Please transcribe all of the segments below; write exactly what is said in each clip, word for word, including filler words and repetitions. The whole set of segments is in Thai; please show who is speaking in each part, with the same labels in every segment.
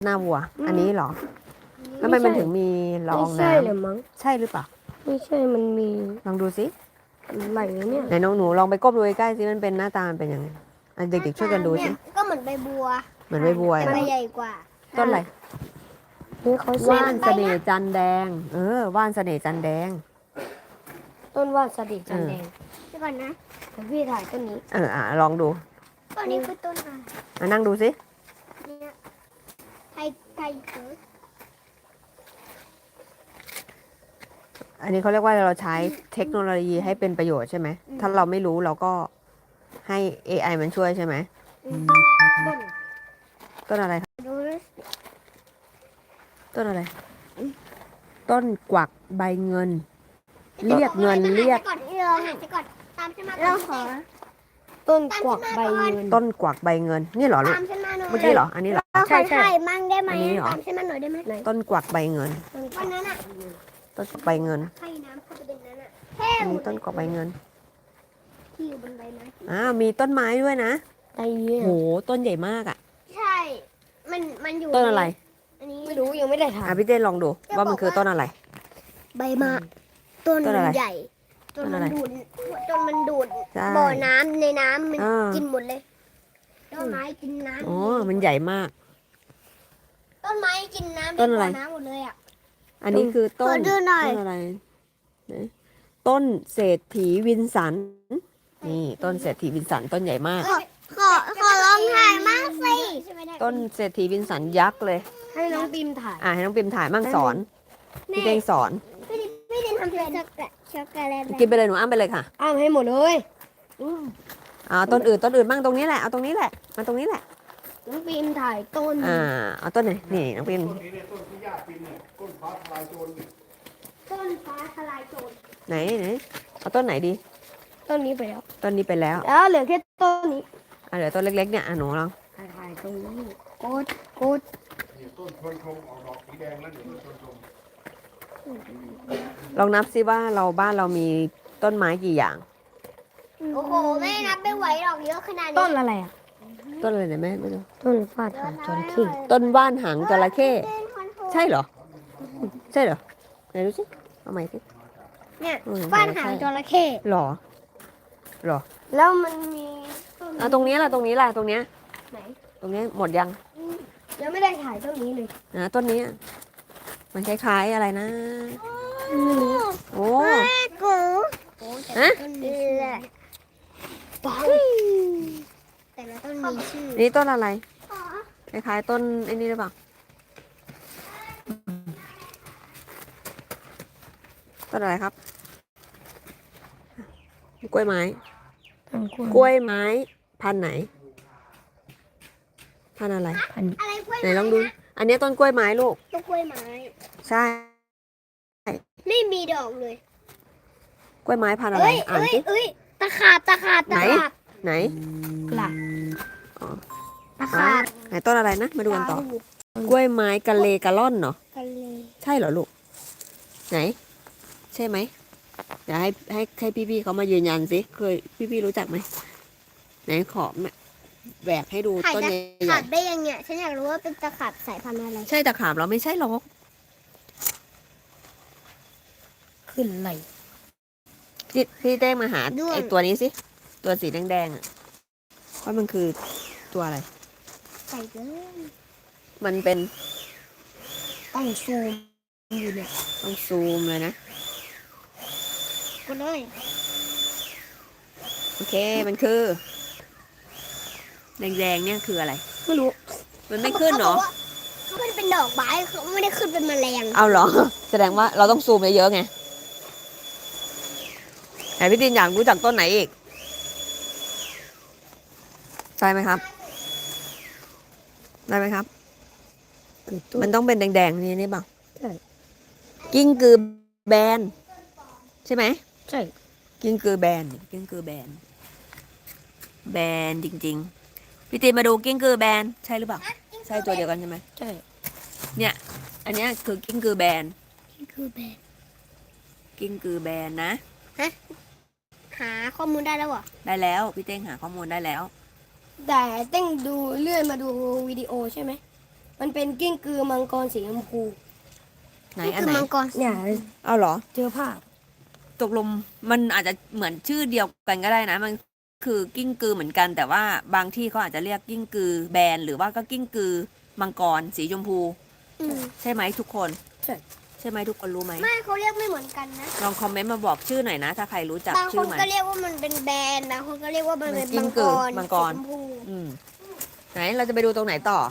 Speaker 1: หน้าวัว อันนี้เหรอแล้วทำไมมันถึงมีรองน้
Speaker 2: ไม่ใช่เหรือมั้ง
Speaker 1: ำใช่หรือเปล่า
Speaker 2: ไม่ใช่มันมี
Speaker 1: ลองดูสิ
Speaker 2: อะไรเนี่ย
Speaker 1: ไหนน้องหนูลองไปก้มดูใกล้ๆสิมันเป็นหน้าตามันเป็นยังไงอันเด็กๆช่วยกันดูสิ
Speaker 3: เนี่ยก็เหมือนใบบัว
Speaker 1: เหมือนใบบัว
Speaker 3: แต่
Speaker 1: เหร
Speaker 3: ใบ
Speaker 1: อ
Speaker 3: ใหญ่กว่า
Speaker 1: ต้นอะไร
Speaker 2: นี่เขา
Speaker 1: ว่าน
Speaker 2: เส้น
Speaker 1: เสน่ห์จันแดง เออว่านเสน่ห์จันแดง
Speaker 2: ต้นว่านสดิจันแดง
Speaker 3: เดี๋ยวก่อนนะ
Speaker 2: แต่พี่ถ่ายต้นนี้
Speaker 1: เอออ่ะลองดู
Speaker 3: ต้นนี้คือต้นอะไร
Speaker 1: อ่ะนั่งดูสิ
Speaker 3: เนี่ยไทยไทยเกิด
Speaker 1: อันนี้เขาเรียกว่าเราใช้เทคโนโลยีให้เป็นประโยชน์ใช่ไหมถ้าเราไม่รู้เราก็ให้ เอ ไอ มันช่วยใช่ไหม
Speaker 2: ต้น
Speaker 1: ต้นอะไรครับ
Speaker 3: ดูนะ
Speaker 1: ต้นอะไร ต้นกวักใบเงิน เรียกเงินเรียก
Speaker 3: ก่อนที่เราหันไปก่อนตามฉันมาเราขอ
Speaker 2: ต้นกวักใบเงิน
Speaker 1: ต้นกวักใบเงิน นี่เหรอลูก
Speaker 3: ตามฉันมาหน่อย
Speaker 1: เมื่อกี้เหรอ อันนี้เหรอ
Speaker 3: เราข
Speaker 2: ใช่
Speaker 3: อ
Speaker 2: ใช่
Speaker 3: ถ่ายมั่งได้ไหม
Speaker 1: อันนี้เหรอ
Speaker 3: ตามฉันมาหน่อยได้ไหม
Speaker 1: ต้นกวักใบเงิน
Speaker 3: วันนั้นอะ
Speaker 1: ต้นกวักใบเงิน
Speaker 3: ให้น้ำเข้าไปในนั้นอะแค่
Speaker 1: อัน
Speaker 3: หม
Speaker 1: นี้
Speaker 3: ด
Speaker 1: ต้นกวักใบเงิน
Speaker 3: ที่อยู่บนใบไม้
Speaker 1: อ้าวมีต้นไม้ด้วยนะ
Speaker 2: ไอ้เนี่ย
Speaker 1: โหต้นใหญ่มากอ่ะ
Speaker 3: ใช่ มันมันอยู่
Speaker 1: ต้นอะไร
Speaker 3: อันนี้
Speaker 2: ไม่รู้ยังไม่ได้ถ่าย
Speaker 1: อ่ะพี่เต้นลองดูว่ามันคือต้นอะไร
Speaker 3: ใบไม้ต้น
Speaker 1: ต้น
Speaker 3: มั
Speaker 1: อะไร
Speaker 3: นใหญ่จน
Speaker 1: ต้น
Speaker 3: มั
Speaker 1: อะไร
Speaker 3: นดูดจนมันดูด
Speaker 1: ใช่
Speaker 3: บ่อน้ำในน้ำมัน
Speaker 1: อ่ากิ
Speaker 3: กินหมดเลยต้นไม้กินน้ำ
Speaker 1: อ๋อมันใหญ่มาก
Speaker 3: ต้นไม้กินน้ำ
Speaker 1: ต้นอะไร
Speaker 3: บ่น้ำหมดเลยอ่ะ
Speaker 1: อันนี้คือต้น
Speaker 3: ขอดูหน่อย
Speaker 1: ต้นอะไรไหนต้นเศรษฐีวินสัน นี่ต้นเศรษฐีวินสันต้นใหญ่มาก
Speaker 3: ขอขอขอลองถ่ายมากสิ
Speaker 1: ต้นเศรษฐีวินสันยักษ์เลย
Speaker 2: ให้น้องปิมถ่าย
Speaker 1: อ่ะให้น้องปิมถ่ายมั่งสอน พี่เต้งสอน
Speaker 3: พี่ดิพี่ดินทำเป็นช็อกโกแลตช็อกโกแลต
Speaker 1: กินไปเลยหนูอ้ำไปเลยค่ะ
Speaker 2: อ้ามให้หมดเลยอืม
Speaker 1: เอาต้นอื่นต้นอื่นบ้างตรงนี้แหละ เอาตรงนี้แหละ มาตรงนี้แหละ
Speaker 2: น้องปิมถ่ายต้น
Speaker 1: อ่า เอาต้นไหนนี่น้องปิม
Speaker 4: ต้นนี้เนี่ยต้นที่ญาติปีนเนี่ยต้นฟ้าทลายโจรเนี่ย
Speaker 3: ต้นฟ้าทลายโจร
Speaker 1: ไหนไหนเอาต้นไหนดี
Speaker 2: ต้นนี้ไปแล้ว
Speaker 1: ต้นนี้ไปแล้ว
Speaker 2: แล้วเหลือแค่ต้นนี้
Speaker 1: อ่ะเหลือต้นเล็กๆเนี่ยอ่ะหนูลอง
Speaker 2: ถ่ายถ่ายตรงนี้โกดโกด
Speaker 4: เนี่ยต้นชวนชมออกดอกสีแดงแล้วเดี๋ยวต้นชวนชม
Speaker 1: ลองนับซิว่าเราบ้านเรามีต้นไม้กี่อย่าง
Speaker 3: โอ้โหไม่นับไม่ไหวหรอกเยอะขนาดนี้
Speaker 2: ต้นอะไรอ่ะ
Speaker 1: ต้นอะไรเนี่ยแม่ไม่รู้
Speaker 2: ต้นฟาดหางจระเข้
Speaker 1: ต้นว่านหางจระเข้
Speaker 3: ต้นคอนโทรล
Speaker 1: ใช่เหรอ ใช่เหรอไหนดูสิเอาใหม่สิ
Speaker 3: เนี่ย
Speaker 1: อืม
Speaker 3: ฟ้านหางจระเข้
Speaker 1: หรอหรอ
Speaker 2: แล้วมันมีต้น
Speaker 1: เอาตรงนี้ล่ะตรงนี้ล่ะตรงเนี้ย
Speaker 2: ไหน
Speaker 1: ตรงนี้หมดยัง
Speaker 2: ยังไม่ได้ถ่ายต้นนี้เลย
Speaker 1: นะต้นนี้อะมันคล้ายๆอะไรนะ โอ้
Speaker 3: แม่กู
Speaker 1: ฮะ
Speaker 3: ต้นนี้แหละแต่ละต้นมีชื่อ
Speaker 1: นี่ต้นอะไร คล้ายๆต้นไอ้นี่หรือเปล่า ต้นอะไรครับ กล้วยไม้
Speaker 2: ต้นกล้วย
Speaker 1: กล้วยไม้พันธุ์ไหน พันธุ์อะไร
Speaker 2: พันธุ์
Speaker 3: อะไรกล้วย
Speaker 1: ไหนลองดู อันนี้ต้นกล้วยไม้ลูก
Speaker 3: ต้นกล้วยไม้
Speaker 1: ใช่
Speaker 3: ไม่มีดอกเลย
Speaker 1: กล้วยไม้พันธุ์อะไร
Speaker 3: เอ้ย
Speaker 1: อ่าน
Speaker 3: เอ้ย
Speaker 1: สิ
Speaker 3: เอ้ยตะขาบตะขาบ
Speaker 1: ไหน
Speaker 3: ตะขาบ
Speaker 1: ไหน
Speaker 2: กระ
Speaker 3: ตะขาบ
Speaker 1: ไหนต้นอะไรนะ มาดูกันต่อ กล้วยไม้กะเลกะล่อนเนาะ
Speaker 3: กันเลย
Speaker 1: ใช่เหรอลูก ไหน ใช่ไหมเดี๋ยวให้ให้ให้พี่ๆเขามายืนยันสิ เคยพี่ๆรู้จักไหม ไหนขอแม่แหวกให้ดู
Speaker 3: ถ่าย
Speaker 1: ต้น
Speaker 3: ตะ
Speaker 1: ให
Speaker 3: ขา
Speaker 1: ญ่
Speaker 3: บได้ยังเนี่ยฉันอยากรู้ว่าเป็นตะขาบสายพันธุ์อะไร
Speaker 1: ๆใช่ตะขาบเราไม่ใช่หรอก
Speaker 2: ขึ้นไหล
Speaker 1: พี่พี่เต้งมาหา
Speaker 3: ด้วง
Speaker 1: ไอตัวนี้สิ ตัวสีแดงๆอ่ะว่ามันคือตัวอะไร
Speaker 3: ใส่เลย
Speaker 1: มันเป็น
Speaker 2: ต้องซูมอยู่เนี่ย
Speaker 1: ต้องซูมเลยนะ
Speaker 3: กูเลย
Speaker 1: โอเค มันคือ แดงๆเนี่ยคืออะไร
Speaker 2: ไม่รู้
Speaker 1: มันไม่ขึ้นเหรอ
Speaker 3: เขาไม่ได้เป็นดอกไม้เขาไม่ได้ขึ้นเป็นแมลง
Speaker 1: เอาเหรอ แสดงว่าเราต้องซูมเยอะๆไงไหนพี่ตินอยากรู้จักต้นไหนอีก ใช่ไหมครับ ได้ไหมครับ
Speaker 2: คือต้น
Speaker 1: มันต้องเป็นแดงๆนี่นี่เปล่า
Speaker 2: ใช่
Speaker 1: กิ้งกือแบน ใช่ไหม
Speaker 2: ใช่
Speaker 1: กิ้งกือแบนกิ้งกือแบน แบนจริงๆ พี่ตินมาดูกิ้งกือแบน ใช่หรือเปล่า ใช่ตัวเดียวกันใช่ไหม
Speaker 2: ใช่
Speaker 1: เนี่ย อันเนี้ยคือกิ้งกือแบน
Speaker 3: นี่คือแบบ
Speaker 1: กิ้งกือแบนนะ
Speaker 3: หาข้อมูลได้แล้วเหรอ
Speaker 1: ได้แล้วพี่เต้งหาข้อมูลได้แล้ว
Speaker 2: แต่เต้งดูเลื่อนมาดูวิดีโอใช่ไหมมันเป็นกิ้งกือมังกรสีชมพู
Speaker 1: ไหน
Speaker 3: นี่
Speaker 1: อัน
Speaker 3: คือ
Speaker 1: ไหน
Speaker 3: มังกร
Speaker 2: เนี่ย
Speaker 1: เอาเหรอ
Speaker 2: เจอภาพ
Speaker 1: ตกลงมันอาจจะเหมือนชื่อเดียวกันก็ได้นะ มันคือกิ้งกือเหมือนกัน แต่ว่าบางที่เขาอาจจะเรียกกิ้งกือแบนหรือว่าก็กิ้งกือมังกรสีชมพู
Speaker 3: อืม
Speaker 1: ใช่ไหมทุกคน
Speaker 2: ใช่
Speaker 1: ใช่ไหมทุกคนรู้ไหม
Speaker 3: ไม่เขาเรียกไม่เหมือนกันนะ
Speaker 1: ลองคอมเมนต์มาบอกชื่อหน่อยนะ ถ้าใครรู้จัก
Speaker 3: บางค
Speaker 1: ชื่อน มัน
Speaker 3: ก็เรียกว่ามันเป็นแบรนด์บางคนก็เรียกว่ามันเป็น
Speaker 1: กิ้
Speaker 3: มั
Speaker 1: ง
Speaker 3: ง
Speaker 1: กื
Speaker 3: ก
Speaker 1: อ
Speaker 3: ร
Speaker 1: มังกร
Speaker 3: สีชมพู
Speaker 1: อืมไหนเราจะไปดูตรงไหนต่อ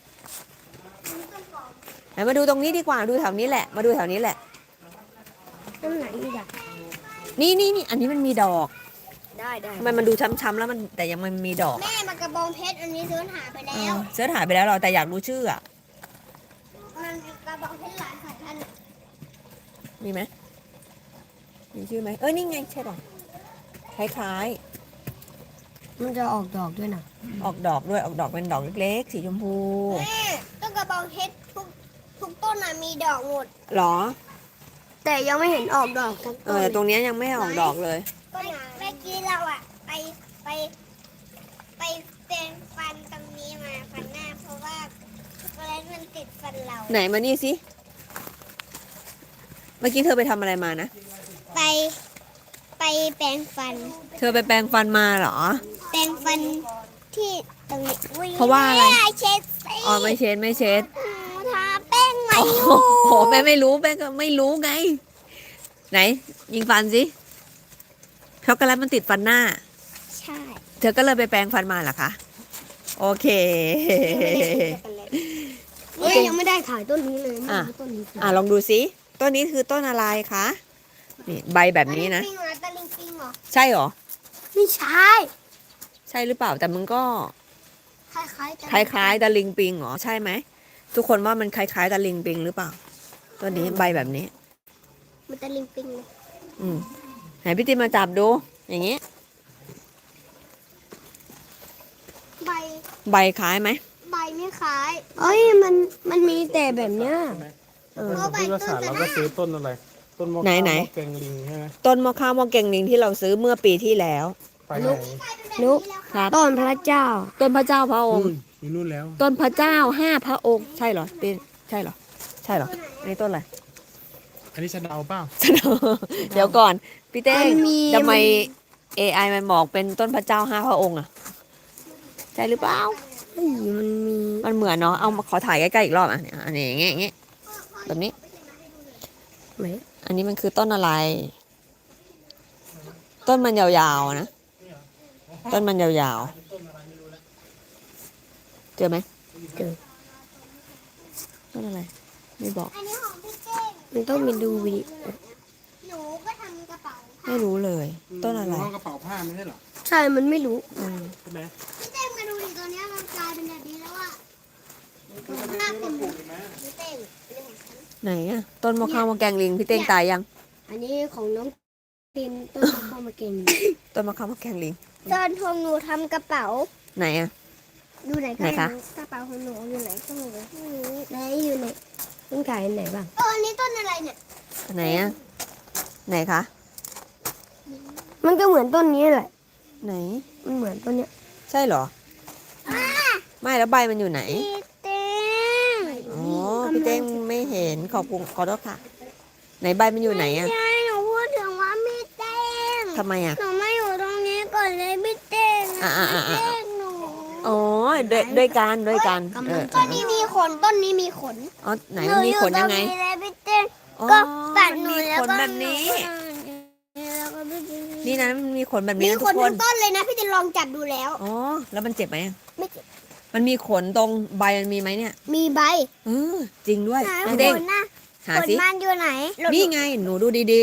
Speaker 1: ไหนมาดูตรงนี้ดีกว่าดูแถวนี้แหละ มาดูแถวนี้แหละ
Speaker 2: ต้นไหนอีกอ่ะ
Speaker 1: นี่นี่นี่อันนี้มันมีดอก
Speaker 2: ได้ได้
Speaker 1: ทำไมมันดูช้ำๆแล้วมันแต่ยังมันมีดอก
Speaker 3: แม่มันกระบองเพชรอันนี้ซื้อหาไป
Speaker 1: เอ
Speaker 3: แล้ว
Speaker 1: อเสิร์ชหายไปแล้วเราแต่อยากรู้ชื่ออ่ะ
Speaker 3: มันกระบองเพชรหลายสายพันธุ์
Speaker 1: มีไหมมีชื่อไหมเออนี่ไงใช่ป่ะคล้าย
Speaker 2: มันจะออกดอกด้วยนะ
Speaker 1: ๆ ออกดอกด้วยออกดอกเป็นดอกเล็กๆสีชมพู
Speaker 3: แม่ต้นกระบองเพชรทุกทุกต้นน่ะมีดอกหมด
Speaker 1: หรอ
Speaker 2: แต่ยังไม่เห็นออกดอกสัก
Speaker 1: เอ
Speaker 2: ต้
Speaker 1: อน แต่ตรงเนี้ยยังไม่ออกดอกเลย
Speaker 3: ก็เมื่อกี้เราอะไปไปไปเป็นฟันตรงนี้มาฟันหน้าเพราะว่าช็อกโกแลตมันติดฟันเรา
Speaker 1: ไหนมานี่สิเมื่อกี้เธอไปทำอะไรมานะ
Speaker 3: ไปไปแปรงฟัน
Speaker 1: เธอไปแปรงฟันมาเหรอ
Speaker 3: แปรงฟันที่ตรงนี้อุ๊ย
Speaker 1: เพราะว่าอะไร
Speaker 3: แม่เช็ดสิ
Speaker 1: อ๋อไม่เช็ดไม่เช็ด
Speaker 3: หนูทาแป้งมา
Speaker 1: โอ้
Speaker 3: อ
Speaker 1: โห
Speaker 3: ยู่
Speaker 1: โหแม่ไม่รู้แม่ก็ไม่รู้ไง ไหน ยิงฟันสิช็อกโกแลตมันติดฟันหน้า
Speaker 3: ใช่
Speaker 1: เธอก็เลยไปแปรงฟันมาเหรอคะ โอเค
Speaker 2: เฮ้ยยังไม่ได้ถ่ายต้นนี้เลยไม่
Speaker 1: อ่ะ
Speaker 2: รู้ต้นนี้คือ
Speaker 1: อ่ะลองดูสิต้นนี้คือต้นอะไรคะนี่ใบแบบนี้นะ
Speaker 3: ตะลิงปิงเหรอตะลิงปิงเหรอ
Speaker 1: ใช่เหรอ
Speaker 2: ไม่ใช่
Speaker 1: ใช่หรือเปล่าแต่มันก็
Speaker 3: คล้ายๆกัน
Speaker 1: คล้ายๆตะลิงปิงเหรอใช่ไหมทุกคนว่ามันคล้ายๆตะลิงปิงหรือเปล่าต้นนี้ใบแบบนี้
Speaker 3: มันตะลิงปิงเลย
Speaker 1: อืมไหนพี่ติมมาจับดู อย่างนี้
Speaker 3: ใบ
Speaker 1: ใบคล้ายไหม
Speaker 3: ใบไม่คล้าย
Speaker 2: เอ้ยมันมันมีแต่แบบเนี้ย
Speaker 1: เออ
Speaker 3: เพราะใบ
Speaker 4: พืช
Speaker 3: ต้
Speaker 4: ศาน สตร์
Speaker 3: จะ
Speaker 4: เรา
Speaker 3: ได้
Speaker 4: ก็ซื้อต้นอะไร ต้นมะ
Speaker 1: ไหน
Speaker 4: ขาม
Speaker 1: ไหน
Speaker 4: มะแกงลิงใช่ไหม
Speaker 1: ต้นมะข้าวมะเก่งลิงที่เราซื้อเมื่อปีที่แล้ว
Speaker 4: ไปไหน
Speaker 2: นุก
Speaker 1: ครับ
Speaker 2: ต้นพระเจ้า
Speaker 1: ต้นพระเจ้าพระองค์
Speaker 4: นู่นอยู่นู่นแล้ว
Speaker 1: ต้นพระเจ้าห้าพระองค์ใช่เหรอเป็นใช่เหรอ ใช่เหรออันนี้ต้นอะไร
Speaker 4: อันนี้สะเดาเปล่า
Speaker 1: เดี๋ยวก่อน พี่เต้
Speaker 2: มันมี
Speaker 1: ทำไม เอ ไอ มันบอกเป็นต้นพระเจ้าห้าพระองค์อะใช่หรือเปล่า
Speaker 2: เฮ้ยมันมี
Speaker 1: มันเหมือนเนาะเอามาขอถ่ายใกล้ๆอีกรอบอ่ะเนี่ยอันนี้อย่างเงี้ยอย่างเงี้ยแบบนี้
Speaker 2: ไหน
Speaker 1: อันนี้มันคือต้นอะไร ต้นมันยาวๆนะ ต้นมันยาวๆ เจอไหม
Speaker 2: เจอ
Speaker 1: ต้นอะไร ไม่บอก
Speaker 3: อันนี้ของพี่เจ้ง
Speaker 2: มันต้องมีดูวิดีโอ
Speaker 3: หนูก็ทำกระเป๋า
Speaker 1: ไม่รู้เลย ต้นอะไร
Speaker 4: ห้องกระเป๋าผ้าไม่ใช่เหรอ
Speaker 2: ใช่ มันไม่รู้
Speaker 1: อืม
Speaker 4: ใช่ไหม
Speaker 3: พี่เจ้งมาดูดิตัวเนี้ยมันกลายเป็นแบบนี้แล้วอะหน้าเป็นพี่เจ้งเรื่องของฉัน
Speaker 1: ไหนอะต้นมะข้าวมะแกงลิงพี่เต้งตายยัง
Speaker 2: อันนี้ของน้องตินต้นข้าวมาเก่ง
Speaker 1: ต้นมะข้าวมะแกงลิง
Speaker 3: ตอนทงหนูทำกระเป๋า
Speaker 1: ไหนอะ
Speaker 3: ดูไหนก็
Speaker 1: ไหนคะ
Speaker 3: ไม่รู้กระเป๋าของหนูอยู่ไหนก็ไม่รู้ไม่รู้
Speaker 2: ไหนอยู่ไหนต้องถ่ายอันไหนบ้าง
Speaker 3: เอออันนี้ต้นอะไรเนี่ย
Speaker 1: ไหนอะไหนคะ
Speaker 2: มันก็เหมือนต้นนี้แหละ
Speaker 1: ไหน
Speaker 2: มันเหมือนต้นเนี้ย
Speaker 1: ใช่เหรอ ไม่แล้วใบมันอยู่ไหน
Speaker 3: พี่เต้ง
Speaker 1: อ๋อ พี่เต้งไม่เห็น ขอบคุณขอโทษค่ะ ไหนใบมันอยู่ไหนอะ
Speaker 3: ใช่หนูพูดถึงว่าพี่เต้ง
Speaker 1: ทำไมอะ
Speaker 3: หนูไม่อยู่ตรงนี้ก่อนเลยพี่เต้ง
Speaker 1: อ่ะอ่ะอ่ะอ่ะ
Speaker 3: พี่เต้งหนู
Speaker 1: อ๋อด้วยด้วยกันด้วยกันเออ
Speaker 3: ต้นนี้มีขนต้นนี้มีขน
Speaker 1: อ๋อไหนมันมีขนยังไง
Speaker 3: หนูอยู่ตรนี้เลยพี่เต้ง
Speaker 1: อ๋อ
Speaker 3: ก็ตัด
Speaker 1: มัน
Speaker 3: หนู
Speaker 1: มี
Speaker 3: แล้ว
Speaker 1: ขน
Speaker 3: ก็
Speaker 1: แบบนี้
Speaker 3: แล้วก็พี่เต้ง
Speaker 1: นี่นะมันมีขนแบบ
Speaker 3: มี
Speaker 1: นี้นะ
Speaker 3: ข
Speaker 1: ทุ
Speaker 3: น
Speaker 1: กค
Speaker 3: ทั้
Speaker 1: น
Speaker 3: งต้นเลยนะพี่เต้งลองจับดูแล้ว
Speaker 1: อ๋อ แล้วมันเจ็บไหมอะ
Speaker 3: ไม่เจ็บ
Speaker 1: มันมีขนตรงใบมันมีไหมเนี่ย
Speaker 3: มีใบ
Speaker 1: เออจริงด้วย
Speaker 3: ไหน
Speaker 1: พี่
Speaker 3: ข
Speaker 1: เต้ง
Speaker 3: นนะ
Speaker 1: หา
Speaker 3: ขน
Speaker 1: สิ
Speaker 3: มันอยู่ไหน
Speaker 1: นี่ไง หนูดูดี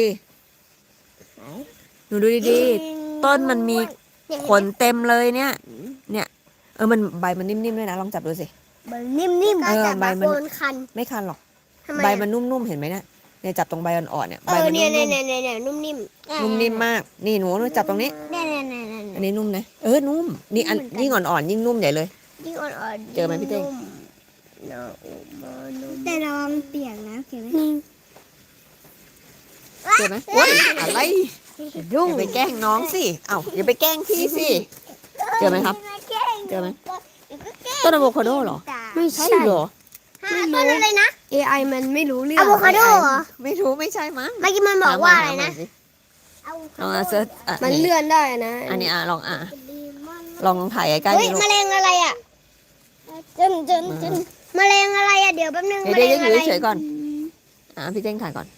Speaker 1: ๆ หนูดูดีๆ ต้นมันมีขนเต็มเลยเนี่ย เนี่ย เออ มันใบมันนิ่มๆด้วยนะ ลองจับดูสิ
Speaker 3: ใบนิ่มๆ
Speaker 1: เออ
Speaker 3: ก็จะ
Speaker 1: ใบ
Speaker 3: แบบ
Speaker 1: มัน
Speaker 3: โกนคัน
Speaker 1: ไม่คันหรอก
Speaker 3: ทำไม
Speaker 1: ใบ
Speaker 3: อะ
Speaker 1: มันนุ่มๆ เห็นไหมเนี่ยเนี่ยจับตรงใบอ่อนๆเนี่ย
Speaker 3: เอ
Speaker 1: ใบ
Speaker 3: อ
Speaker 1: มัน
Speaker 3: เนี่ย
Speaker 1: นุ่
Speaker 3: เนี่ย
Speaker 1: ม
Speaker 3: เนี่ยเนี่ยนุ่มนิ่ม
Speaker 1: ๆนุ่มนิ่มมาก นี่หนูหนูจับตรงนี้
Speaker 3: เนี่ยเนี่ยเนี่ยเนี่ย
Speaker 1: อันนี้นุ่มนะ เออ นุ่ม นี่อันยิ่งอ่อนๆ ยิ่งนุ่มใหญ่เลย
Speaker 3: ยิ่งอ่อนๆ
Speaker 1: เจอไหมพี่เต้ง
Speaker 3: แต่ระวังเปียกนะเขียนไหม
Speaker 1: เจอไหมโอ๊ยอะไรอย่าไปแกล้งน้องสิ เอ้าอย่าไปแกล้งพี่สิ เจอไหมครับ เจอไหม ต้นอะโวคาโดเหรอ
Speaker 2: ไม่
Speaker 1: ใช่
Speaker 2: ใช่
Speaker 1: เหรอ
Speaker 2: รู้
Speaker 3: ต้นอะไรนะ
Speaker 2: เอ ไอ มันไม่รู้เรื่อ
Speaker 3: อะ
Speaker 2: ง
Speaker 3: โวคาโดเหรอ
Speaker 1: ไม่รู้ไม่ใช่มั้ง
Speaker 3: เมื่อกี้มันบอกว่าอะไรนะ
Speaker 1: ถามมาถามมาสิลองเอาเซิร์ชอ่ะ
Speaker 2: มันเลื่อนได้นะ
Speaker 1: อันนี้อ่ะลองอ่ะลองลองถ่ายใกล้ๆ
Speaker 3: เฮ้ย
Speaker 1: ดิลูก
Speaker 3: แมลงอะไรอ่ะจนจนจนแมลงอะไรอ่ะเดี๋ยวแป๊บนึง
Speaker 1: เดี๋ยว
Speaker 3: แมล
Speaker 1: เดี๋ยว
Speaker 3: ง
Speaker 1: อ
Speaker 3: อะไร
Speaker 1: ยู่เฉยๆก่อนอ่ะพี่เต้งถ่ายก่อน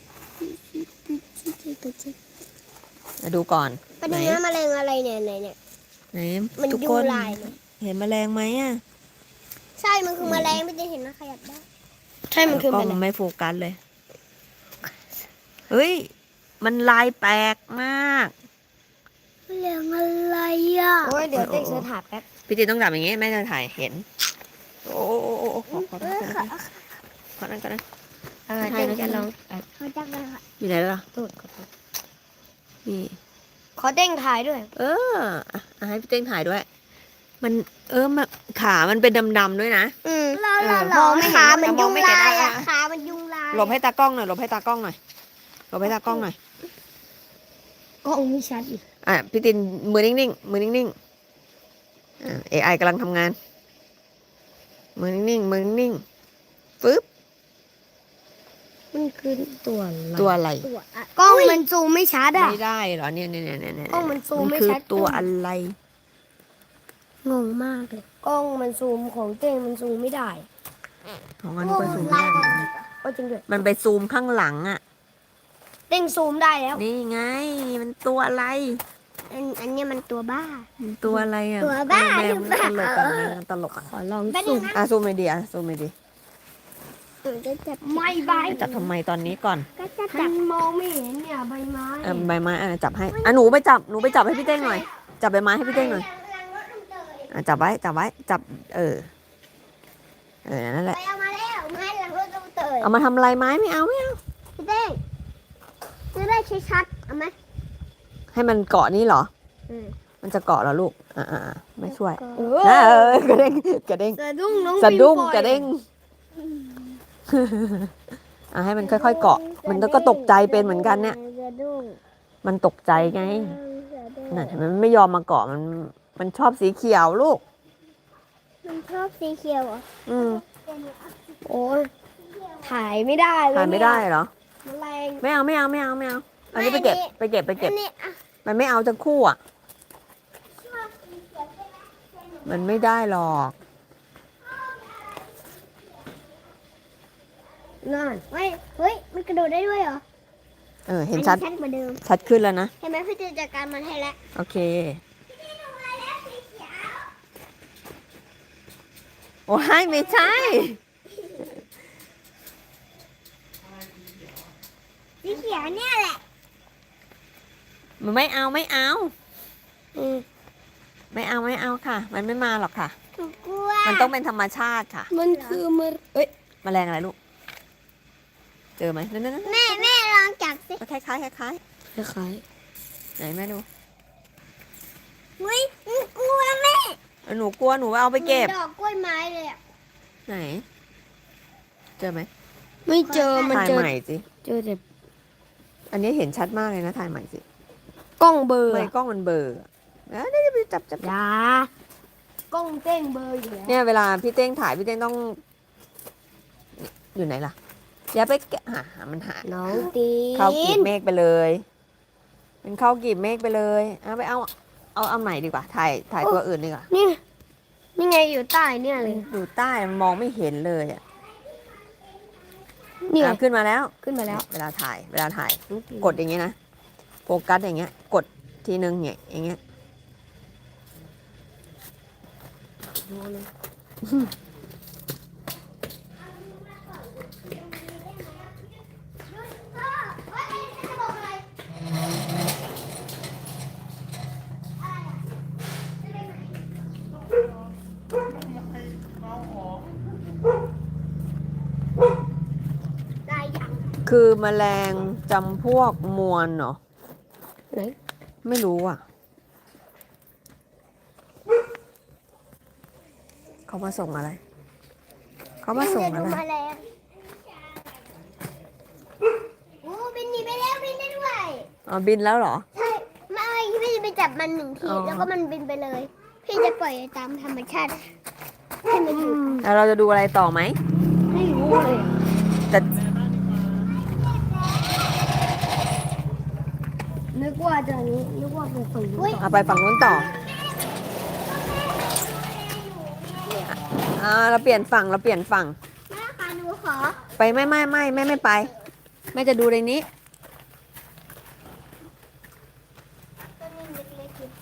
Speaker 1: มาดูก่อน
Speaker 3: แป๊บนึงนะแมลงอะไรเนี่ยไหนเนี่ย
Speaker 1: ไหน
Speaker 3: มัน
Speaker 1: ทุก
Speaker 3: ยุ
Speaker 1: ค
Speaker 3: ง
Speaker 1: น
Speaker 3: ลายเนี่ย
Speaker 1: เห็นแมลงไหมอ่ะ
Speaker 3: ใช่มันคือแมลงไม่ได้เห็นนะขยับได้
Speaker 2: ใช่มันคือ
Speaker 1: ก็
Speaker 2: มัน
Speaker 1: มันไม่โฟกัสเลยเฮ้ยมันลายแปลกมาก
Speaker 3: แมลงอะไรอ่ะ
Speaker 2: โอ้ยเดี๋ยวเต้งเสิร์ชหาแป๊บ
Speaker 1: พี่จีต้องจับอย่างงี้แม่จะถ่ายเห็นโอ้โอ้โอ้โอ้ขอขอ
Speaker 3: เอ
Speaker 1: ขอ
Speaker 3: อ
Speaker 1: ขอนั่นก็ได้
Speaker 2: เออเต้งจะลองอ่ะ
Speaker 3: เขาจับเลยค่ะ
Speaker 1: อยู่ไหนแล้วล่ะ
Speaker 2: ตูดขอโทษ
Speaker 1: นี่
Speaker 2: ขอเต้งถ่ายด้วย
Speaker 1: เอออ่ะอ่ะให้พี่เต้งถ่ายด้วย มันเออมันขามันเป็นดำๆด้วยนะ
Speaker 3: อืม
Speaker 1: เออ
Speaker 3: มองไม่ขามัน
Speaker 1: ม
Speaker 3: ยุ
Speaker 1: อง
Speaker 3: ง
Speaker 1: ไม่เห็น
Speaker 3: ลายอ่ะ
Speaker 1: อ่ะ
Speaker 3: ขามันยุงลาย
Speaker 1: หลบให้ตากล้องหน่อยหลบให้ตากล้องหน่อยหลบให้ตากล้องหน่อย
Speaker 2: กล้องไม่ชัดอีก
Speaker 1: อ่ะพี่ตินมือนิ่งๆมือนิ่งๆอ่า เอ ไอ กำลังทำงาน มือนิ่งๆมือนิ่งๆปึ๊บ
Speaker 2: มันคือตัวอะไร
Speaker 1: ตัวอะไร
Speaker 3: ตัวอ่ะ
Speaker 2: กล้องมันซูมไม่ชัดอ่ะ
Speaker 1: ไม่ได้เหรอเนี่ยเนี่ยเนี่ยเนี่ยเนี่ย
Speaker 2: กล้องมันซูมไม่
Speaker 1: คือ
Speaker 2: ชัด
Speaker 1: ตัวอะไร
Speaker 3: งงมากเลย
Speaker 2: กล้องมันซูมของเต้งมันซูมไม่ได้
Speaker 1: ของมันก็ซูมได้
Speaker 2: ก็จริงด้วย
Speaker 1: มันไปซูมข้างหลังอ่ะ
Speaker 2: เต้งซูมได้แล้ว
Speaker 1: นี่ไง มันตัวอะไร
Speaker 3: อันอันเนี้ยมันตัวบ้า
Speaker 1: มันตัวอะไรอ่ะ
Speaker 3: ตัวบ้า
Speaker 1: แมว
Speaker 3: ห
Speaker 1: มัน
Speaker 3: รือ
Speaker 1: ต
Speaker 3: เป
Speaker 1: ล
Speaker 3: ล่า
Speaker 1: กอ่ะแมวมันตลกอ่ะ
Speaker 2: ขอลอง
Speaker 3: แป๊บนึ
Speaker 2: ซู
Speaker 3: ง
Speaker 2: ม
Speaker 3: นะ
Speaker 1: อ่ะซูมเลยดีอ่ะซูมเลยดี
Speaker 3: เออจะจับ
Speaker 2: ไม่ใบ
Speaker 1: จับทำไมตอนนี้ก่อน
Speaker 3: ก็จะ
Speaker 2: ฉั
Speaker 3: จั
Speaker 2: น
Speaker 3: บ
Speaker 2: มองไม่เห็นเนี่ยใบไม้
Speaker 1: อ่ะใบไม้อ่ะจับให้อ่ะหนูไปจับหนูไปจับให้พี่เต้งหน่อยจับใบไม้ให้พี่เต้งหน่อยอ่ะจับไว้จับไว้จับเออเออนั่นแห
Speaker 3: ไป
Speaker 1: ละ
Speaker 3: เอามาแล้วไม้หลังรถต้องเตย
Speaker 1: เอามาทำอะไรไม้ไม่เอาไม่เอา
Speaker 3: พี่เต้งจะได้ชัดๆเอาไหม
Speaker 1: ให้มันเกาะนี่เหรอ
Speaker 3: อืม
Speaker 1: มันจะเกาะเหรอลูกอ่าอ่าไม่ช่วย
Speaker 2: เอ
Speaker 1: นะเอ
Speaker 2: อ
Speaker 1: อกระเด้งกระเด้ง
Speaker 2: สะดุ้งน้อง
Speaker 1: สะดุ้ง
Speaker 2: ปิงปอย
Speaker 1: กระเด้งอ่ะให้มันค่อยๆเกาะ มันก็ตกใจเป็นเหมือนกันเนี่ย
Speaker 3: สะดุ้ง
Speaker 1: มันตกใจไงน่ะเห็นไหมมันไม่ยอมมาเกาะมันมันชอบสีเขียวลูก
Speaker 3: มันชอบสีเขียวเหรอ
Speaker 1: อืม
Speaker 2: โอ้ยถ่ายไม่ได้เลย
Speaker 1: ถ่ายไม่ได้เหรอ
Speaker 2: แมลง
Speaker 1: ไม่เอาไม่เอาไม่เอาไม่เอาอันนี้ไปเก็บไปเก็บไปเก็บ
Speaker 3: อันนี้อ่ะ
Speaker 1: มันไม่เอาจะคู่อ่ะ
Speaker 3: ชอบสีเขียวใช่ไหม
Speaker 1: มันไม่ได้หรอก
Speaker 2: นั่น
Speaker 3: เฮ้ยเฮ้ยมันกระโดดได้ด้วยเหรอ
Speaker 1: เออเห็นชัด
Speaker 3: อัชัดกว่าเดิม
Speaker 1: ชัดขึ้นแล้วนะ
Speaker 3: เห็นไหมพี่จะจัดการมันให้แล้ว
Speaker 1: โอเค โอ้ยไม่ใช่
Speaker 3: สีเขียวเนี่ยแหละ
Speaker 1: มันไม่เอาไม่เอา
Speaker 2: อืม
Speaker 1: ไม่เอาไม่เอาค่ะ มันไม่มาหรอกค่ะ
Speaker 3: หนูกลัว
Speaker 1: มันต้องเป็นธรรมชาติค่ะ
Speaker 2: มันคือมันเอ้ย
Speaker 1: แมลงอะไรลูก เจอไหมนั่นนั่นนั่น
Speaker 3: แม่แม่ลองจับสิ
Speaker 1: คล้ายคล้ายๆคล้าย
Speaker 2: คล้าย
Speaker 1: ๆไหนแม่ดู
Speaker 3: เฮ้ยหนูกลัวแม่
Speaker 1: เออหนูกลัวหนูเอาไปเก็บ
Speaker 3: หมือนดอกกล้วยไม้เลยอ่ะ
Speaker 1: ไหน เจอไหม
Speaker 2: ๆไม่เจอมัน
Speaker 1: ถ่าย
Speaker 2: เจอ
Speaker 1: ใหม่สิ
Speaker 2: เจอแต่
Speaker 1: อันนี้เห็นชัดมากเลยนะถ่ายใหม่สิ
Speaker 2: กล้องเบลอร์
Speaker 1: ไม่กล้องมันเบลอร์เอ้ยนี่ไปจับจับ
Speaker 2: อยากล้องเต้งเบลอร์อยู่แล้ว
Speaker 1: เนี่ยเวลาพี่เต้งถ่ายพี่เต้งต้อง อยู่ไหนล่ะอย่าไปแกะหาหามันหา
Speaker 2: น้องตี
Speaker 1: เข้ากีบ
Speaker 2: น
Speaker 1: เมฆไปเลย เป็นเข้ากีบเมฆไปเลยเอาไปเอาเอาเอาใหม่ดีกว่า ถ่ายถ่ายตัวอื่นดีกว่า
Speaker 2: นี่นี่ไงอยู่ใต้เนี่ยเลย
Speaker 1: อยู่ใต้มันมองไม่เห็นเลยอ่ะ
Speaker 2: นี่ไง
Speaker 1: อ่ะขึ้นมาแล้ว
Speaker 2: ขึ้นมาแล้ว
Speaker 1: เวลาถ่าย เวลาถ่าย
Speaker 2: น้องตีน
Speaker 1: กดอย่างเงี้ยนะ โฟกัสอย่างเงี้ย กดทีนึงเนี่ยอย่างเงี้ย
Speaker 2: ดูเลย
Speaker 3: ได้ยัง
Speaker 1: คือแมลงจำพวกมวลเนาะ
Speaker 2: ไหน
Speaker 1: ไม่รู้อ่ะ เขามาส่งอะไร เขามาส่ง
Speaker 3: จะ
Speaker 1: อะ
Speaker 3: ดู
Speaker 1: ไร
Speaker 3: แมลงโอ้บินหนีไปแล้วบินได้ด้วย
Speaker 1: อ๋อบินแล้วเหรอ
Speaker 3: ใช่ไม่พี่จะไปจับมันหนึ่งที
Speaker 1: อ๋อ
Speaker 3: แล้วก็มันบินไปเลย พี่จะปล่อยตามธรรมชาติให้มันอยู่
Speaker 1: แล้วเราจะดูอะไรต่อไหม
Speaker 3: อ
Speaker 2: ไม่รู้เลยอะ
Speaker 1: แต่
Speaker 2: นึกว่าจะนี้นึกว่าเป็นฝั่งนู้นต่อ
Speaker 1: เอาไปฝั่งนู้นต่ออ่าเราเปลี่ยนฝั่งเราเปลี่ยนฝั่ง
Speaker 3: แม่คะหนูขอ
Speaker 1: ไปไม่ไม่ไม่แม่ไม่ไปแม่จะดูในนี้
Speaker 3: ตัวนี้เล็กๆอยู่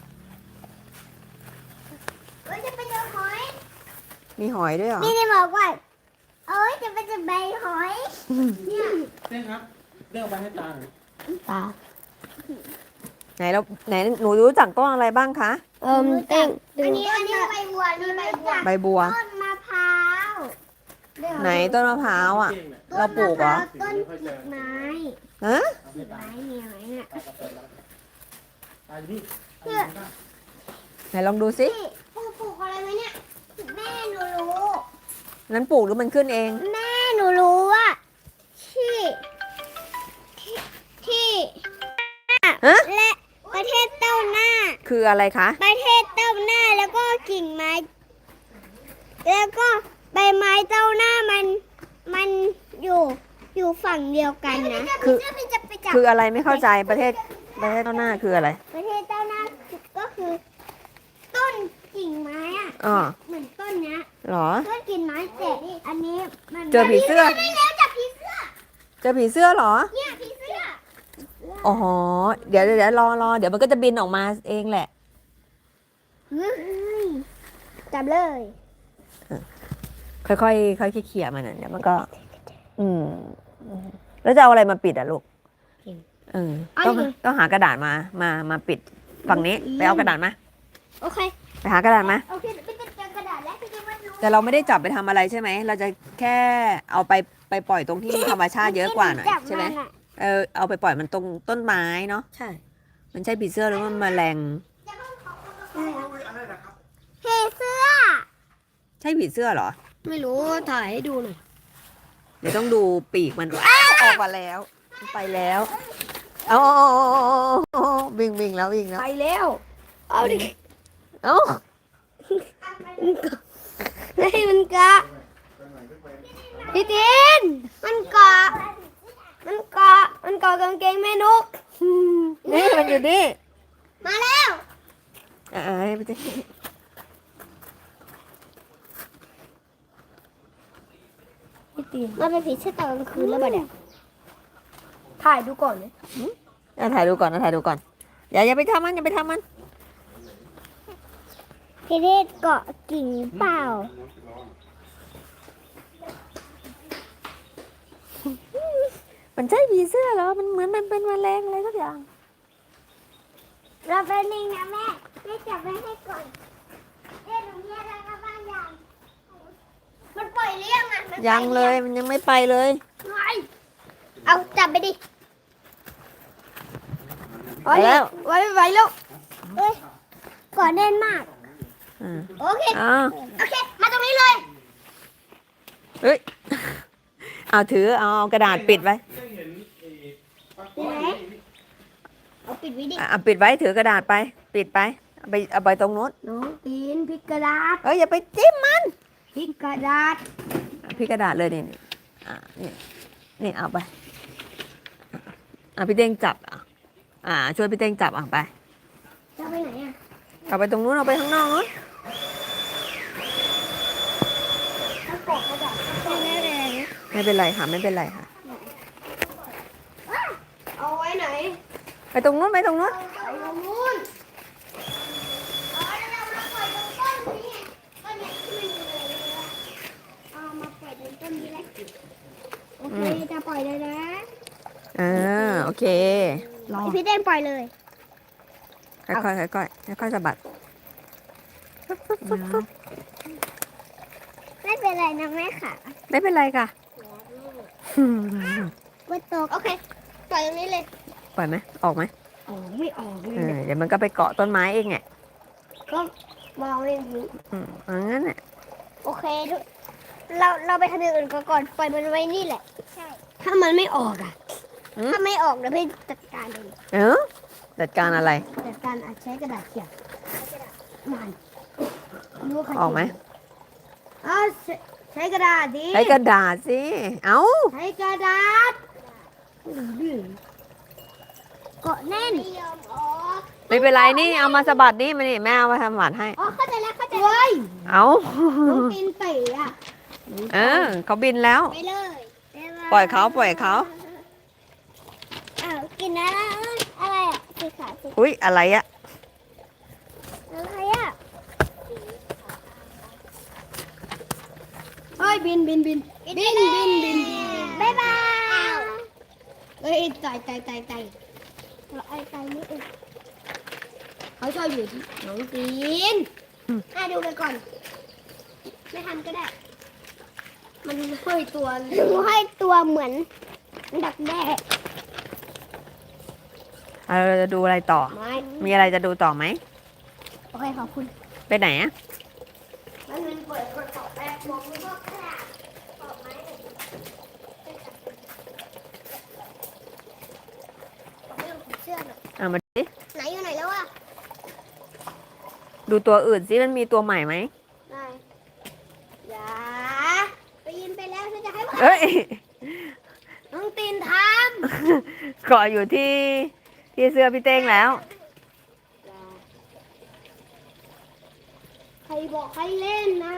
Speaker 3: เอ้ยจะไปเจอหอย
Speaker 1: มีหอยด้วยเหรอ
Speaker 3: นี่ได้บอกว่าเอ้ยจะไปเจอใบหอยเนี่ย
Speaker 5: เต้นครับเรียกไปให้ตาหน่อย
Speaker 2: ตา
Speaker 1: ไหนเราไหนหนูรู้จักต้นอะไรบ้างคะ
Speaker 2: เอิ่มเต้ง
Speaker 3: อันนี้อันนี้ใบบัวนี่ใบบัว
Speaker 1: ใบบัว
Speaker 3: ต้นมะพร้าว
Speaker 1: ไหนต้นมะพร้าวอ่ะ
Speaker 5: เก่งเนี่ย
Speaker 1: เราปลูกเหรอ
Speaker 3: ต้นกีบไม้
Speaker 1: ฮะ
Speaker 5: เอาให้ตา
Speaker 3: ไม้เนี่ยไม้เนี่ย
Speaker 5: ตาก็เปิดแล้วตาอยู่นี่
Speaker 1: ไหนลองดูสิ
Speaker 3: พี่ปลูกปลูกอะไรไหมเนี่ยแม่หนูรู้
Speaker 1: นั้นปลูกหรือมันขึ้นเอง
Speaker 3: แม่หนูรู้ว่าที่ที่ที่
Speaker 1: ฮะ
Speaker 3: และประเทศเต้าหน้า
Speaker 1: คืออะไรคะ
Speaker 3: ประเทศเต้าหน้าแล้วก็กิ่งไม้ แล้วก็ใบไม้เต้าหน้ามันมันอยู่อยู่ฝั่งเดียวกันนะ
Speaker 1: คือ
Speaker 3: จะไปจับ
Speaker 1: คืออะไรไม่เข้าใจประเทศประเทศต้นหน้าคืออะไร
Speaker 3: ประเทศเต้าหน้าก็คือ ต้นกิ่งไม้อะ
Speaker 1: อ๋อ
Speaker 3: เหมือนต้นเนี้ย
Speaker 1: เหรอ
Speaker 3: ต้นกิ่งไม้แต่อันนี้มัน
Speaker 1: เจอผีเสื้อ
Speaker 3: ได้แล้วจับผีเสื้อ
Speaker 1: เจอผีเสื้อเหรอ
Speaker 3: เนี่ยผีเสื้อ
Speaker 1: อ๋อเดี๋ยวเดี๋ยวเดี๋ยวรอรอเดี๋ยวมันก็จะบินออกมาเองแหละ
Speaker 3: เฮ้ยจับเลย
Speaker 1: ค่อยๆค่อยๆเขี่ยมันน่ะเดี๋ยวมันก็ อืมแล้วจะเอาอะไรมาปิดอ่ะลูกเออต้องต้องหากระดาษมามามาปิดฝั่งนี้ไปเอากระดาษมา
Speaker 3: โอเค
Speaker 1: ไปหากระดาษมา
Speaker 3: โอเคไปจัดการกระดาษแล้วพี่จะมารู้
Speaker 1: แต่เราไม่ได้จับไปทำอะไรใช่ไหมเราจะแค่เอาไปไปปล่อยตรงที่ธรรมชาติเยอะกว่าหน่อยใช่ไหมเออเอาไปปล่อยมันตรงต้นไม้เนาะ
Speaker 2: ใช่
Speaker 1: มันใช่ผีเสื้อหรือว่ามันแมลง
Speaker 4: อะไรนะครับ
Speaker 3: เฮเสื้อ
Speaker 1: ใช่ผีเสื้อเหรอ
Speaker 2: ไม่รู้ถ่ายให้ดูหน่อย
Speaker 1: เดี๋ยวต้องดูปีกมันอ้าวออกมาแล้วมันไปแล้วเอาเอาเอาเอาเอาเอาวิ่งวิ่งแล้ววิ่งแล้ว
Speaker 2: ไปแล้ว เอาดิ
Speaker 1: เอ้า
Speaker 2: ให้มันกะพี่ตินมันเกาะมันเกาะมันเกาะกางเกงแม่นก
Speaker 1: นี่มันอยู่นี่
Speaker 3: มาแล้ว
Speaker 1: อ่าให้ไปสิ
Speaker 2: พี่ติน
Speaker 3: มันเป็นผีเสื้อตอนกลางคืนแล้วปะเนี่ย
Speaker 2: ถ่ายดูก่อนเลย
Speaker 1: เอาถ่ายดูก่อนเอาถ่ายดูก่อนอย่าอย่าไปทำมันอย่าไปทำมัน
Speaker 3: พี่เทศเกาะกิ่งเปล่า
Speaker 1: มันใช่ผีเสื้อเหรอมันเหมือนมันเป็นแมลงอะไรสักอย่าง
Speaker 3: เราเป็นนึงนะแม่แม่จับไว้ให้ก่อนเอ๊ะหนูมีอะไรมาบ้างยังมันปล่อยเลี้ยงอ่ะมันปอ
Speaker 1: ยังเลยมันยังไม่ไปเลย
Speaker 3: ไงเอาจับไปดิ
Speaker 1: ไปแล้ว
Speaker 2: ไว้ไว้แล้ว
Speaker 3: เอ้ยกอดแน่นมาก
Speaker 1: อ่า
Speaker 3: โอเค
Speaker 1: อ้าว
Speaker 3: โอเค มาตรงนี้เลย
Speaker 1: เฮ้ยเอาถือเอาเอากระดาษปิดไว้
Speaker 5: ได้เห็นไอ้ปลา
Speaker 3: ปิดไหมเอาปิดไว้ดิ
Speaker 1: อ่ะเอาปิดไว้ถือกระดาษไป ปิดไปเอาไปเอาไปตรงนู้น
Speaker 2: น้องปีนพลิกกระดาษ
Speaker 1: เอ้ยอย่าไปจิ้มมัน
Speaker 2: พลิกกระดาษ
Speaker 1: พี่กระดาษเลยนี่นี่อ่านี่นี่เอาไปอ่ะพี่เต้งจับอ่ะอ่า ช่วยพี่เต้งจับอ่ะไป
Speaker 3: จะไปไหนอ่ะ
Speaker 1: เอาไปตรงนู้นเอาไปข้างนอกนู้น
Speaker 3: ต้องกดกระดาษต้องแน่เลย
Speaker 1: ไม่เป็นไรค่ะไม่เป็นไรค่ะ
Speaker 2: เอาไว้ไหน
Speaker 1: ไปตรงนู้นไปตรงนู้น
Speaker 3: ไปตรงนู้นเอาแล้วเรามาปล่อยตรงต้นนี้ไงต้นเนี้ยที่มันอยู่เลยนะเอามาปล่อยตรงต้นนี้แหละโอเคจะปล่อยเลยนะ
Speaker 1: อ่าโอเค
Speaker 2: รอ
Speaker 3: พี่เต้นปล่อยเลย
Speaker 1: ค่อยๆค่อยๆค่อยๆสะบัด
Speaker 3: ไม่เป็นไรนะแม่ค่ะ
Speaker 1: ไม่เป็นไรค่ะ
Speaker 3: ว่าตกโอเคปล่อยตรงนี้เลย
Speaker 1: ปล่อยไหมออกไหม
Speaker 2: ออกไม่ออกเล
Speaker 1: เอย อเดี๋ยวมันก็ไปเกาะต้นไม้เองไง
Speaker 2: ก็มองไม่เห็น
Speaker 1: อืมเอางั้นแหละ
Speaker 3: โอเคทุกเราเราไปทำอย่างอื่นก่อนปล่อยมันไว้นี่แหละใช่
Speaker 2: ถ้ามันไม่ออกอ่ะ
Speaker 3: ถ้าไม่ออกเดี๋ยวพี่จัดการเอง
Speaker 1: เออจัดการอะไร
Speaker 2: แต่การอาจใช้กระดาษเขียนมันรู้ว่าใคร
Speaker 1: ออกไหม
Speaker 2: อ้าวใช้กระดาษดิ
Speaker 1: ใช้กระดาษสิ เอ้า
Speaker 2: ใช้กระดาษ
Speaker 3: เกาะแน่น
Speaker 1: ไม่เป็นไรนี่เอามาสะบัดนี่มานี่แม่เอามาทำหวานให้
Speaker 3: อ๋อเข้าใจแล้วเข้าใจ
Speaker 2: เว้ย
Speaker 1: เอา
Speaker 2: น้องตีนเตะอ่ะ
Speaker 1: เออเขาบินแล้ว
Speaker 3: ไปเลย
Speaker 1: ปล่อยเขาปล่อยเขา
Speaker 3: อ้าวกินอะไรอะไรอ่ะสีขาวสี
Speaker 1: อุ้ยอะไรอะ
Speaker 3: อะไรอ่ะ
Speaker 2: เฮ้ยบินบินบินบินบินบินบิน
Speaker 3: บ๊ายบาย
Speaker 2: เฮ้ยไต่ไต่ไต่ไต่
Speaker 3: เราไอ้ไก่นี่เอง
Speaker 2: เขาชอบอยู่ที่น้องตีน
Speaker 3: อ่ะดูไปก่อน ไม่ทำก็ได้
Speaker 2: มันห้อยตัว
Speaker 3: ดูให้ตัวเหมือนดักแด้
Speaker 1: เอาเราจะดูอะไรต่อ
Speaker 2: ไม้
Speaker 1: มีอะไรจะดูต่อไหม
Speaker 3: โอเคขอบคุณ
Speaker 1: ไปไหนอะ
Speaker 2: มันมันเปิดกระเป๋าแป๊บมองไม่ก็กระดาษ
Speaker 3: เรื่องของเสื้อหน่อย
Speaker 1: เอามาดิ
Speaker 3: ไหนอยู่ไหนแล้วอ่ะ
Speaker 1: ดูตัวอื่นสิมันมีตัวใหม่ไหม
Speaker 3: ได้อย่าไปยินไปแล้วฉันจะให้ว่า
Speaker 1: เอ้ย
Speaker 2: น้องตีนท
Speaker 1: เกาะอยู่ที่ที่เสื้อพี่เต้งแล้ว
Speaker 2: ำใครบอกให้เล่นนะ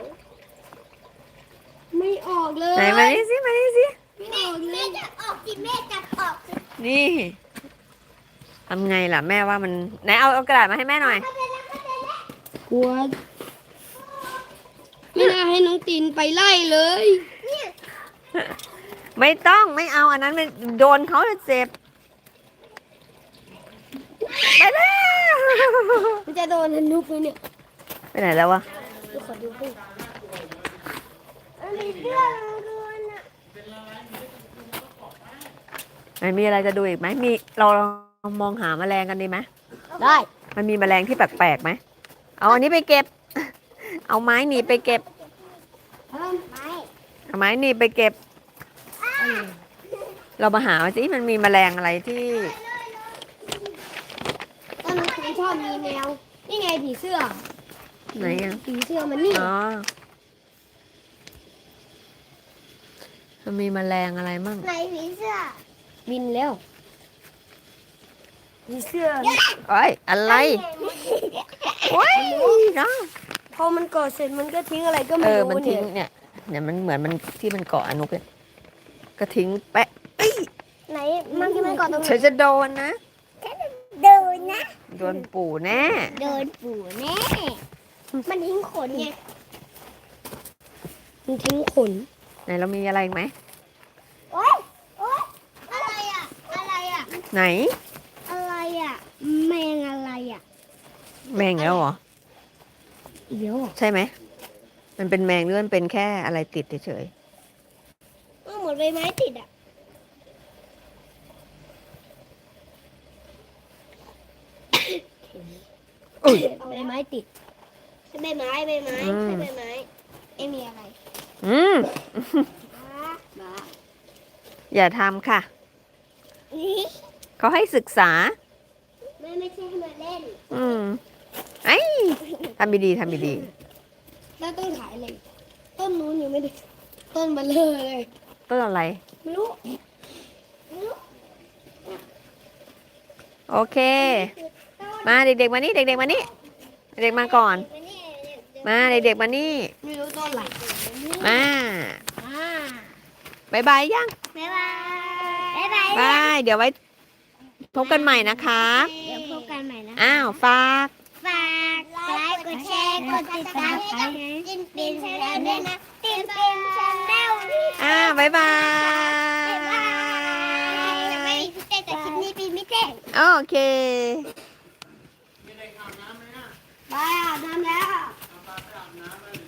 Speaker 2: ไม่ออกเลย
Speaker 1: ไหนมานี่สิมานี่สิ
Speaker 2: ไม่ออกเล
Speaker 3: แม่
Speaker 2: ย
Speaker 3: จะออกสิแม่จะออกสิ
Speaker 1: นี่ทำไงล่ะแม่ว่ามันไหนเอาเอากระดาษมาให้แม่หน่อย
Speaker 2: กลัวไม่น่าให้น้องตีนไปไล่เลย
Speaker 1: ไม่ต้องไม่เอาอันนั้นมันโดนเขาจะเจ็บไปแล้ว
Speaker 2: มันจะโดนนุกเลยเนี่ย
Speaker 1: ไปไหนแล้ววะ
Speaker 2: ดูขอดูให้
Speaker 3: มันมีเสื้อดูน่ะ
Speaker 1: ไหนมีอะไรจะดูอีกไหมมีเราลองมองหาแมลงกันดีไหม
Speaker 2: ได้
Speaker 1: มันมีแมลงที่แปลกๆไหมเอาอันนี้ไปเก็บ เอาไม้หนีบไปเก็บ
Speaker 3: ไม่
Speaker 1: เอาไม้หนีบไปเก็บ เรามาหาสิมันมีแมลงอะไรที่
Speaker 2: ตอนน้องตีนชอบมีแมวนี่ไงผีเสื้อ
Speaker 1: ไหนอ่ะ
Speaker 2: ผีเสื้อมันนี่
Speaker 1: อ๋อมันมีแมลงอะไรมั่ง
Speaker 3: ไหนผีเสื้อ
Speaker 2: บินแล้วผีเสื้อ
Speaker 1: เอ้ยอะไรโอ้ยเนาะ
Speaker 2: พอมันก่อเสร็จมันก็ทิ้งอะไรก็
Speaker 1: เอ
Speaker 2: ไม่
Speaker 1: อ
Speaker 2: รู้
Speaker 1: มันทิ้
Speaker 2: เนี่
Speaker 1: ง
Speaker 2: ย
Speaker 1: เนี่ยเนี่ยมันเหมือนมันที่มันเกาะอนุกเนี่ยก็ทิ้งแปะเอ้ย
Speaker 3: ไหนมันที่มันเกาะตรงไหน
Speaker 1: เธอจะโดนนะ
Speaker 3: เดินนะ
Speaker 1: โดนปู่แน่
Speaker 3: เดินปู่แน่ มันทิ้งขนไง
Speaker 2: มันทิ้งขน
Speaker 1: ไหนเรามีอะไรอีกไหม
Speaker 3: โอ๊ยโอ๊ยอะไรอ่ะ อะไรอ่ะ
Speaker 1: ไหน
Speaker 3: อะไรอ่ะ แมงอะไรอ่ะ
Speaker 1: แมงแล้วเหรอ
Speaker 2: เดี๋ยว
Speaker 1: ใช่ไหมมันเป็นแมงหรือมันเป็นแค่อะไรติดเฉย
Speaker 3: ก็เหมือนใบไม้ติดอ่ะ
Speaker 1: ๆอุ้ย
Speaker 2: ใบไม้ติด
Speaker 3: ใช่ใบไม้ใบไม้
Speaker 1: อืม
Speaker 3: ใช่ใบไม้เอ้มีอะไร
Speaker 1: อืม
Speaker 3: บ้า
Speaker 1: อย่าทำค่ะ เขาให้ศึกษา
Speaker 3: ไม่ไม่ใช่ให้มาเล่น
Speaker 1: อืมไอ้ยทำดีๆทำดี
Speaker 2: แล้วต้องถ่ายเลย ต้นนู้นยังไม่ได้ ต้นเบลเลอร์เลย
Speaker 1: ๆต้นอะไร
Speaker 2: ไม่รู้
Speaker 1: โอเค มาเด็กๆมานี่เด็กๆมานี่เด็กๆมาก่อน มาเด็กๆมานี่
Speaker 2: ไม่รู้ต้นอะไร
Speaker 1: มา
Speaker 2: อ่า
Speaker 1: บายบายยัง
Speaker 3: บ๊ายบาย บ๊ายบาย
Speaker 1: บายเดี๋ยวไว้พบกันใหม่นะคะ
Speaker 3: เดี๋ยวพบกันใหม่นะ
Speaker 1: อ้าวฝาก
Speaker 3: ฝากไลค์ กดแชร์ กดติดตามให้กับตินปินชาแนลด้วยนะตินปินชาแนล
Speaker 1: อ้าวบายบา
Speaker 3: บ๊ายบาย
Speaker 1: ย
Speaker 3: จะไม่มีพี่เต้แต่คลิปนี้ปีไม่เต้
Speaker 1: โอเค
Speaker 2: ไปอาบน้ำแล้ว
Speaker 5: เอาปลาไปอาบน้ำเลย